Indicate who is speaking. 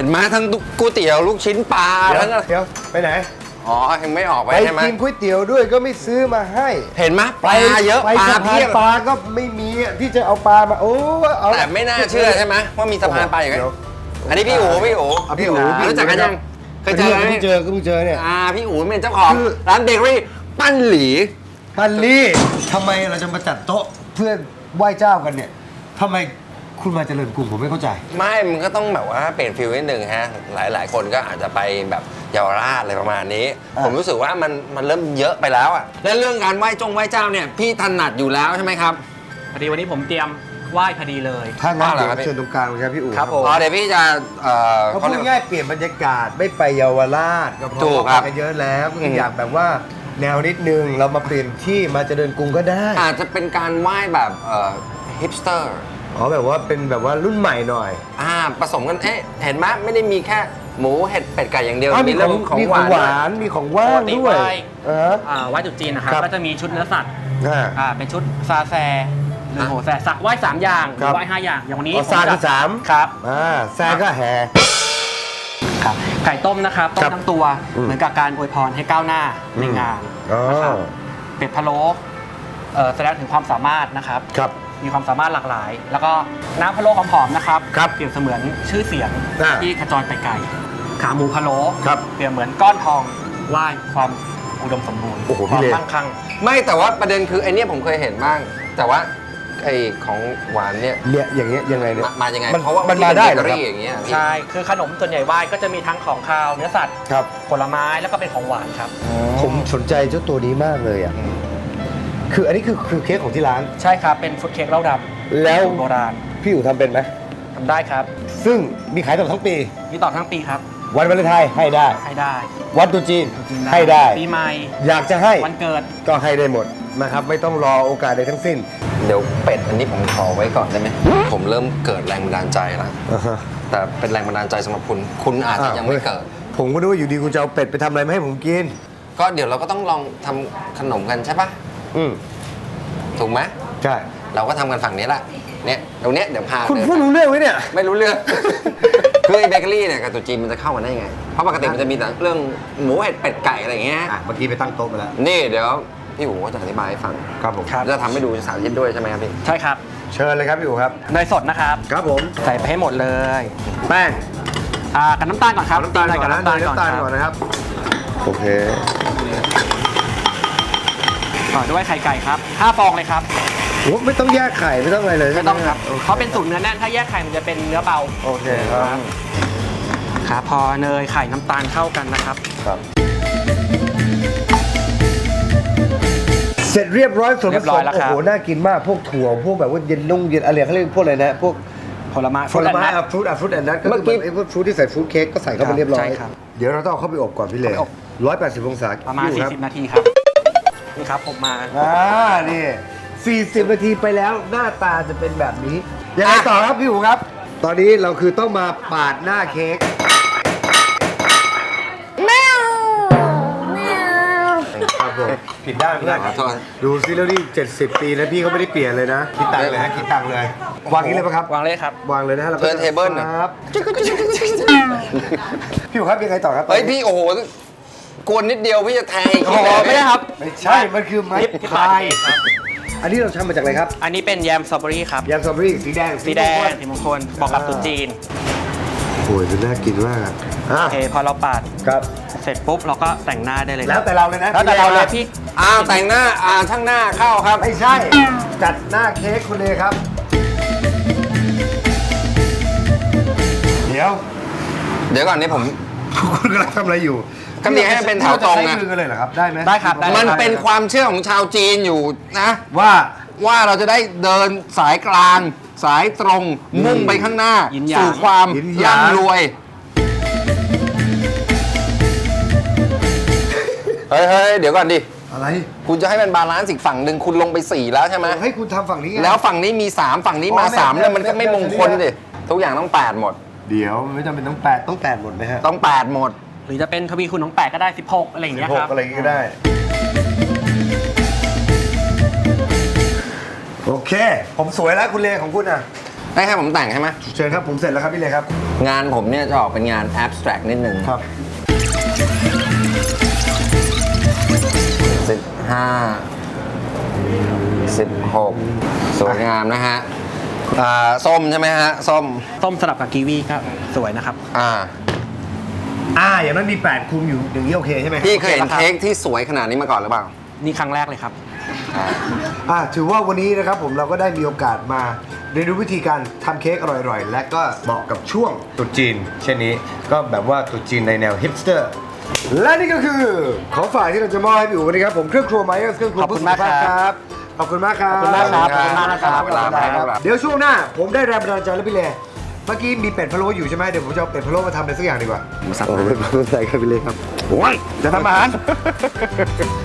Speaker 1: นไหมทั้งก๋วยเตี๋ยวลูกชิ้นปลาทั้ง
Speaker 2: เดี๋ยวไปไหน
Speaker 1: อ๋อยังไม่ออกไป
Speaker 2: ไป
Speaker 1: ใช่ไหม
Speaker 2: กินก๋วยเตี๋ยวด้วยก็ไม่ซื้อมาให้
Speaker 1: เห็นไหมปลาเยอะ
Speaker 2: ไป
Speaker 1: ปลา
Speaker 2: สะพา
Speaker 1: เพี
Speaker 2: น
Speaker 1: ยบ
Speaker 2: ปลาก็ไม่มีที่จะเอาปลามาโอ้เอา
Speaker 1: แต่ไม่น่าเชื่อใช่ไหมว่ามีสะพานปลาอย่างนี้อันนี้พี่อู๋พี่อู๋
Speaker 2: พี่อู๋
Speaker 1: รู้จักกันยังเคยเจอไหม
Speaker 2: เพิ่งเจอเนี่ย
Speaker 1: พี่อู๋เป็นเจ้าของร้านเบเกอรี่ปั้นหลี
Speaker 2: ฮันลี่ทำไมเราจะมาจัดโต๊ะเพื่อไหว้เจ้ากันเนี่ยทำไมคุณมาเจริญกรุงผมไม่เข้าใจ
Speaker 1: ไม่มันก็ต้องแบบว่าเปลี่ยนฟิลนิดนึงฮะหลายคนก็อาจจะไปแบบเยาวราชอะไรประมาณนี้ ผมรู้สึกว่ามันเริ่มเยอะไปแล้วอ่ะและเรื่องการไหว้เจ้าเนี่ยพี่ถนัดอยู่แล้วใช่ไหมครับ
Speaker 3: พอดีวันนี้ผมเตรียมไหว้พอดีเลย
Speaker 2: ถ้างั้นเดี๋ยวเชิญตรงกลางเลยครับพี่อู๋
Speaker 3: ครับผม
Speaker 1: เดี๋ยวพี่จะ
Speaker 2: เขาพูดง่ายเปลี่ยนบรรยากาศไม่ไปเยาวราชก็เพ
Speaker 1: ถู
Speaker 2: ราะ
Speaker 1: กครั
Speaker 2: ว่า
Speaker 1: บ
Speaker 2: ไปกันเยอะแล้วก็อยากแบบว่าแนวนิดนึงเรามาเปลี่ยนที่มาเจริญกรุงก็ได้
Speaker 1: อาจจะเป็นการไหว้แบบฮิปสเตอร์
Speaker 2: อ๋อแบบว่าเป็นแบบว่ารุ่นใหม่หน่อย
Speaker 1: ผสมกันเห็นไหมไม่ได้มีแค่หมูเห็ดเป็ดไก่อย่างเดียว
Speaker 2: มี
Speaker 1: เรื่อง
Speaker 2: ของ
Speaker 1: หวาน
Speaker 2: หวานมีของว่างด้วย
Speaker 3: ไหว้ตรุษจีนนะครับ
Speaker 2: ครับ
Speaker 3: ก็จะมีชุดเนื้อสัตว์
Speaker 2: อ่า
Speaker 3: เป็นชุดซาแซหรือโหแซสักไหว้3 อย่างห
Speaker 2: ครั
Speaker 3: รื
Speaker 2: บ
Speaker 3: อไหว้5 อย่างอย่างวันนี้
Speaker 2: อ๋อซาคือ3
Speaker 3: ครับ
Speaker 2: แซก็แห่
Speaker 3: ครับไก่ต้มนะครับต้
Speaker 2: ครั
Speaker 3: ม
Speaker 2: บ
Speaker 3: ทั้งตัวเหมือนกับการอวยพรให้ก้าวหน้าในงาน
Speaker 2: อ๋อ
Speaker 3: นะครับเป็ดพะโล้แสดงถึงความสามารถนะครับ
Speaker 2: ครับ
Speaker 3: มีความสามารถหลากหลาย แล้วก็น้ำพะโล้หอมๆนะครับ
Speaker 2: ครับ
Speaker 3: เปรียบเสมือนชื่อเสียง
Speaker 2: อ่า
Speaker 3: ที่ขจรไปไกลขาหมูพะโล้
Speaker 2: ครับ
Speaker 3: เปรียบเหมือนก้อนทองไหว้ความอุดมสมบูรณ์
Speaker 2: โอ้โห
Speaker 3: ค
Speaker 2: พี่
Speaker 3: วาม
Speaker 2: เล
Speaker 3: มั่งคั่ง
Speaker 1: ไม่แต่ว่าประเด็นคือไอเนี้ยผมเคยเห็นบ้าง แต่ว่าไอของหวานเนี่ย
Speaker 2: เนี่ยอย่างเงี้ยยังไงเนี่ย
Speaker 1: มายังไง
Speaker 2: มัน
Speaker 1: เพราะว่า
Speaker 2: มันมาได้เหรอครับ
Speaker 1: เบเกออย่างเงี้ยพี่
Speaker 3: ใช่ คือขนมส่วนใหญ่ไหว้ก็จะมีทั้งของคาวเนื้อสัตว์
Speaker 2: ครับ
Speaker 3: ผลไม้แล้วก็เป็นของหวานครับ
Speaker 2: ผมสนใจเจ้าตัวนี้มากเลยอ่ะคืออันนี้คือเค้กของที่ร้าน
Speaker 3: ใช่ครับ เป็นฟุตเค้กเหล้าดำ
Speaker 2: แล้ว
Speaker 3: สูตรโบราณ
Speaker 2: พี่อู๋ทำเป็นไหม
Speaker 3: ทำได้ครับ
Speaker 2: ซึ่งมีขายตลอดทั้งปี
Speaker 3: มีต่อทั้งปีครับ
Speaker 2: วันวาเลนไทน์ให้ได้
Speaker 3: ให้ได้
Speaker 2: วันตรุษจีน
Speaker 3: จริงๆ
Speaker 2: ให้ได้
Speaker 3: ปีใหม่
Speaker 2: อยากจะให้
Speaker 3: วันเกิด
Speaker 2: ก็ให้ได้หมดนะครับ ไม่ต้องรอโอกาสใดทั้งสิ้น
Speaker 1: เดี๋ยวเป็ดอันนี้ผมขอไว้ก่อนได้ไหมผมเริ่มเกิดแรงบันดาลใจแล้วแต่เป็นแรงบันดาลใจสำหรับคุณอาจจะยังไม่เกิด
Speaker 2: ผมก็นึกว่าอยู่ดีคุณจะเอาเป็ดไปทำอะไรมาให้ผมกิน
Speaker 1: ก็เดี๋ยวเราก็ต้องลองทำขนมกันใช่ปะ
Speaker 2: อืม
Speaker 1: ถูกไหม
Speaker 2: ใช่
Speaker 1: เราก็ทำกันฝั่งนี้แหละเนี่ยตรงเนี้ยเดี๋ยวพา
Speaker 2: คุณ
Speaker 1: เดิน
Speaker 2: พูดรู้เรื่องไหมเนี่ย
Speaker 1: ไม่รู้เรื่อง คือไอ้เบเกอรี่เนี่ยกับตุ๊จีนมันจะเข้ากันได้ยังไง เพราะปกติมันจะมีแต่เรื่องหมูเห็ดเป็ดไก่อะไรอย่างเงี้ย
Speaker 2: เมื่อกี้ไปตั้งโต๊ะไปแล้ว
Speaker 1: นี่เดี๋ยวพี่อู๋ก็จะอธิบายให้ฟัง
Speaker 2: ครับผม
Speaker 1: จะทำให้ดูสาธิตด้วยใช่ไหมครับพี่
Speaker 3: ใช่ครับ
Speaker 2: เชิญเลยครับพี่อู๋ครับ
Speaker 3: เนยสดนะครับ
Speaker 2: ครับผม
Speaker 3: ใส่ไปให้หมดเลย
Speaker 2: แป้ง
Speaker 3: กับน้ำตาลก่อนครับ
Speaker 2: น้ำตาลก่อนนะ
Speaker 3: น้ำตาล
Speaker 2: น้ำตาล
Speaker 3: ก่
Speaker 2: ก่
Speaker 3: อ
Speaker 2: อน
Speaker 3: นครับ
Speaker 2: นะครับ โอเค
Speaker 3: ต่อด้วยไข่ไก่ครับ5 ฟองเลยครับ
Speaker 2: โอ้ไม่ต้องแยกไข่ไม่ต้องอะไรเลย
Speaker 3: ไม่ต้องครับ
Speaker 2: โเ
Speaker 3: เพราะเป็นสูตรเนื้อแน่น ถ้าแยกไข่มันจะเป็นเนื้อเบา
Speaker 2: โอเคครับ
Speaker 3: ครับ พอเนยไข่น้ำตาลเข้ากันนะครับ
Speaker 2: ครับ เสร็จเรียบร้อยส่วนผ
Speaker 3: เรียบ
Speaker 2: ส
Speaker 3: ร้อ
Speaker 2: ม
Speaker 3: ยแล้ว
Speaker 2: โอ้
Speaker 3: ครับ
Speaker 2: โหน่ากินมากพวกถั่วพวกแบบว่าเย็นนุ่งเย็นอะไรเขาเรียกพวกอะไรนะพวก
Speaker 3: ผลไม้
Speaker 2: ฟรุตแอนด์นัทก็
Speaker 1: เมื่
Speaker 2: คือ
Speaker 1: อกี้
Speaker 2: ไอ้พวกฟรุตที่ใส่ฟรุตเค้กก็ใส่เข้าไปเรียบร้อย
Speaker 3: ใช่ครับ
Speaker 2: เดี๋ยวเราต้องเอาเข้าไปอบก่อนพี่เล่
Speaker 3: เอาไปอบ
Speaker 2: 180 องศา
Speaker 3: ประมาณ
Speaker 2: พี่อู๋คบ
Speaker 3: 40 นาทีครับ นี่ครับผมมา
Speaker 2: นี่40 นาทีไปแล้วหน้าตาจะเป็นแบบนี้ยังไงต่อครับพี่อู๋ครับ ตอนนี้เราคือต้องมาปาดหน้าเค้กครับผมผิดด้านเพื่อน
Speaker 1: ขอโทษ
Speaker 2: ดูซิแล้วนี่70 ปีแล้วพี่เขาไม่ได้เปลี่ยนเลยนะคิดตังค์เลยฮะคิดตังค์เลยวางนี้เลยปะครับ
Speaker 3: วางเลยครับ
Speaker 2: วางเลยนะฮะแล้วก็
Speaker 1: เทิร์นเทเบิลน่ะ
Speaker 2: ครับพี่อู๋ครับยังไงต่อครับ
Speaker 1: เฮ้ยพี่โอ้โหกวนนิดเดียวพี่จะแทงอีก
Speaker 3: อ๋อไม่ได้ครับ
Speaker 2: ไม่ใช่ มันคือไม้
Speaker 3: ที่
Speaker 2: พา
Speaker 3: ปาด
Speaker 2: ย
Speaker 3: เค้กครับ
Speaker 2: อันนี้เราทำมาจากอะไรครับ
Speaker 3: อันนี้เป็นแยมสตรอเบอรี่ครับ
Speaker 2: ยำสตรอเบอรี่สีแดง
Speaker 3: สีแดงสีมงคลบอกกับตุ๊จีน
Speaker 2: โอ้ยมันน่ากินมาก
Speaker 3: โอเคพอเราปาด
Speaker 2: ครับ
Speaker 3: เสร็จปุ๊บเราก็แต่งหน้าได้เลย
Speaker 2: แล้วแต่เราเลยนะ
Speaker 3: แล้วแต่เราเลยพี่
Speaker 1: แต่งหน้าช่างหน้าเข้าครับ
Speaker 2: ไม่ใช่ จัดหน้าเค้กคุณเลยครับ เดี๋ยว
Speaker 1: ก่อนนี่ผม
Speaker 2: คุณกำลังทำอะไรอยู่
Speaker 1: ก็มีให้เป็นแถวตรง
Speaker 2: ใช้
Speaker 1: นะ
Speaker 2: มือกันเลยเหรอครับ ได้ไหม
Speaker 3: ได้ครับได้
Speaker 1: มันเป็นความเชื่อของชาวจีนอยู่นะ
Speaker 2: ว่า
Speaker 1: เราจะได้เดินสายกลาง สายตรงมุ่งไปข้างหน้า
Speaker 3: ยินหยาง
Speaker 1: สู่ความ
Speaker 2: ยินหยาง
Speaker 1: ร่ำรวย เฮ้ย เดี๋ยวก่อนดิ
Speaker 2: อะไร
Speaker 1: คุณจะให้มันบาลานซ์อีกฝั่งหนึ่งคุณลงไป 4 แล้วใช่ไหม
Speaker 2: ให้คุณทำฝั่งนี้ไง
Speaker 1: แล้วฝั่งนี้มี 3 ฝั่งนี้มา
Speaker 2: อ๋อ
Speaker 1: 3 แล้วมันก็ไม่มงคล
Speaker 2: แบบนี้
Speaker 1: ดิทุกอย่างต้อง 8 หมด
Speaker 2: เดี๋ยวไม่จำเป็นต้องแปดหมดไหมฮะ
Speaker 1: ต้อง 8 หมด
Speaker 3: หรือจะเป็นทวีคูณของ8ก็ได้ 16 อะไรอย่างเงี้ยครับ
Speaker 2: 16อะไรอย่างงี้ก็ได้ โอเค ผมสวยแล้วคุณเลของคุณอ่ะ
Speaker 1: ได้ให้ผมแต่งใช่ไหม
Speaker 2: เชิญครับผมเสร็จแล้วครับพี่เลยครับ
Speaker 1: งานผมเนี่ยจะออกเป็นงาน abstract นิดนึง
Speaker 2: ครับ
Speaker 1: 16 สวยงามนะฮะส้มใช่ไหมฮะ ส้ม
Speaker 3: ส้มสลับกับกีวีก็สวยนะครับ
Speaker 2: อย่างนั้นมี 8 คุมอยู่อย่างนี้โอเคใช่ไหม
Speaker 1: พี่เคยเห็นเค้กที่สวยขนาดนี้มาก่อนหรือเปล่า
Speaker 3: นี่ครั้งแรกเลยครับ
Speaker 2: ถือว่าวันนี้นะครับผมเราก็ได้มีโอกาสมาเรียนรู้วิธีการทำเค้กอร่อยๆ และก็เหมาะกับช่วงตรุษจีน เช่นนี้ก็แบบว่าตรุษจีนในแนวฮิปสเตอร์ และนี่ก็คือของฝากที่เราจะมอบให้พี่อู๋วันนี้ครับผมเครื่องครัวไมเอสเครื่องครัว
Speaker 3: ขอบคุณมากครับ
Speaker 2: ขอบคุณมากครับ
Speaker 3: ขอบคุณมากครับขอบคุณมากนะครับ
Speaker 1: เวลาไปครับ
Speaker 2: เดี๋ยวช่วงหน้าผมได้แรงบันดาลใจแล้วพี่เลเมื่อกี้มีเป็ดพะโล้อยู่ใช่ไหมเดี๋ยวผมจะเอาเป็ดพะโล้มาทำอะไรสักอย่างดีกว่า
Speaker 1: มาสัก
Speaker 2: เป็ดพะโล้ใส่ครับพี่เลครับ
Speaker 1: โอ้ย
Speaker 2: จะทำอาหาร